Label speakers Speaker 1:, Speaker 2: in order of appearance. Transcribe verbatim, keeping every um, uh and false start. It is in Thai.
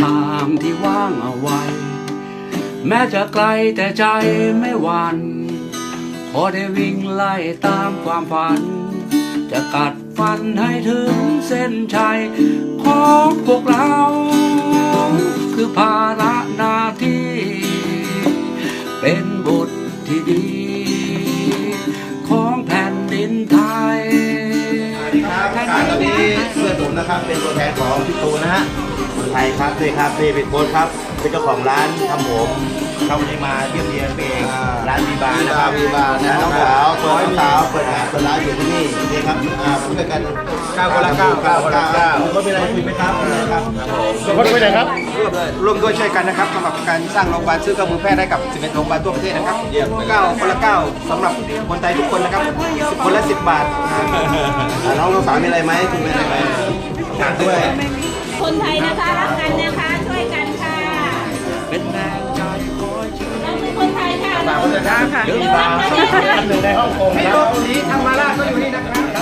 Speaker 1: างที่ว่างเอาไว้แม้จะไกลแต่ใจไม่หวั่นขอได้วิ่งไล่ตามความฝันจะกัดฟันให้ถึงเส้นชัยของพวกเราคือภาระหน้าที่เป็นบุตรที่ดีของแผ่นดินไทย
Speaker 2: สวัสดีครับการตอนนี้เพื่อนผมนะครับเป็นตัวแทนของพี่ตูนนะฮะคนไทยครับนี่ครับนี่เป็นโค้ชครับเป็นเจ้าของร้านทำผมเขาวันนี้มาเยี่ยมเยียนเองร้านวีบาร์นะครับวีบาร์นะน้องสาวตัวน้องสาวเปิดร้านเปิดร้านอยู่ที่นี่นี่ครับอ่าเพื่อนกันเก้าคนละเก้าเก้าคนละเก้าก็มีอะไรคุยไหมครับครับผมคุยไหนครับร่วมด้วยช่วยกันนะครับสำหรับการสร้างโรงพยาบาลซื้อเครื่องมือแพทย์ให้กับสิบเอ็ดโรงพยาบาลทั่วประเทศนะครับเก้าคนละเก้าสำหรับคนไทยทุกคนนะครับสิบคนละสิบบาทน้องน้องสาวมีอะไรไหมคุณมีอะไรไหมฝากด้วย
Speaker 3: คนไทยนะคะรักกันนะคะช่วยกันค่ะ
Speaker 1: เป็นแรงใจคอยเชื่อ
Speaker 3: เราคือคนไทยค่ะ
Speaker 2: ฝากคนไทยค่ะ
Speaker 3: เดี๋ยวรักกันนะคะ
Speaker 2: หนึ่งในฮ่องกงพี่โตสีทำมาล่าก็อยู่นี่นะครับ